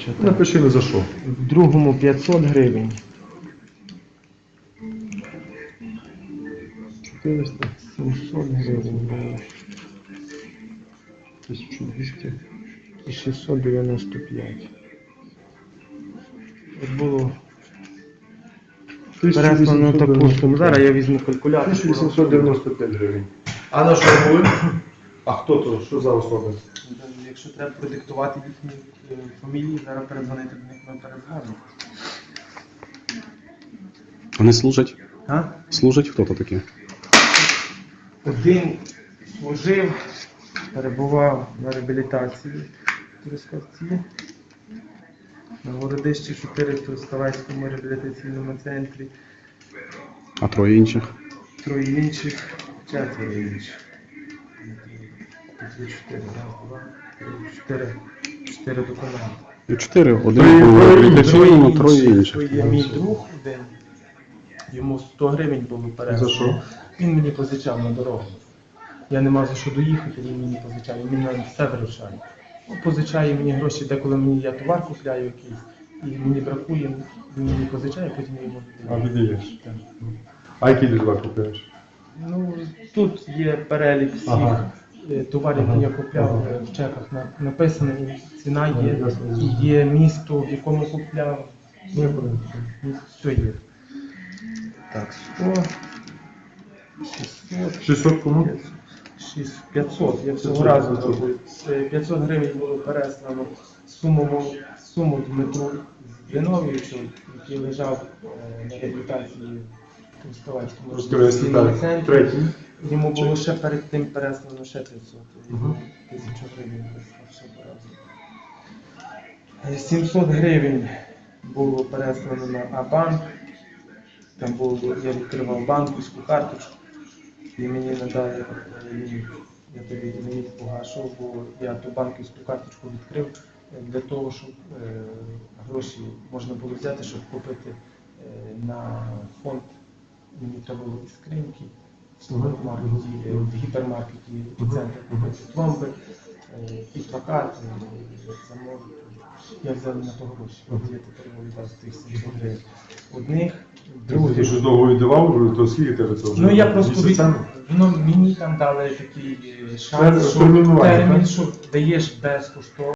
напишете. Напиши не за що. В другому 500 гривень. 400, 700 гривень було. 1200. І 695. От було переслано таку суму. Зараз я візьму калькулятор. 1895 гривень. А на що були? А хто то? Що за особи? Якщо треба продиктувати їхні фамілії, зараз передзвонити до них, ми передзвонимо. Вони служать? А? Служать хто то такі? Один служив, перебував на реабілітації в Трускавці, на Городищі 4 в Трускавецькому реабілітаційному центрі, А троє інших? троє інших, четверо інших. Тут є 4, раз, два, три, 4 документи. І 4. Один Троє був інших. реабілітаційний, троє То інших. є мій друг один, йому 100 гривень було переслано. За що? Він мені позичав на дорогу. Я не мав за що доїхати, він мені позичав, він на все вирушає. Ну, позичає мені гроші, деколи я товар купляю якийсь, і мені бракує, він мені позичає, потім я йому А віддаю. віддаєш. Так. А які дежва купуєш? Ну, тут є перелік всіх Ага. товарів, які я купляв в чеках. Написано, ціна є, і є місто, в якому купляв. Все є. Так, 100, 600, 600 кому? 500. Я цього 500. разу зробив. 500 гривень було переслано суму Дмитру Зиновійовичу, який лежав на реабілітації в Трускавецькому реабілітаційному центрі. Третій. Йому було ще перед тим переслано ще 500. Мгм. 1000 гривень переслав ще разом. 700 гривень було переслано на А-банк. Там було, я відкривав банківську карточку і мені надали, я тоді не міг погашав, бо я ту банківську карточку відкрив для того, щоб гроші можна було взяти, щоб купити на фонд. Мені треба було і скриньки в супермаркеті, в гіпермаркеті «Епіцентр» купити пломби, і плакати, замовити. Я взяв на то гроші, от я тепер вивідав тих 700 гривень. Одних, Ти других. що довго віддавав, то скільки тебе це вже? Ну я просто Місяцями? мені там дали такий шанс, що Термінування, термін, так? що даєш безкоштовно.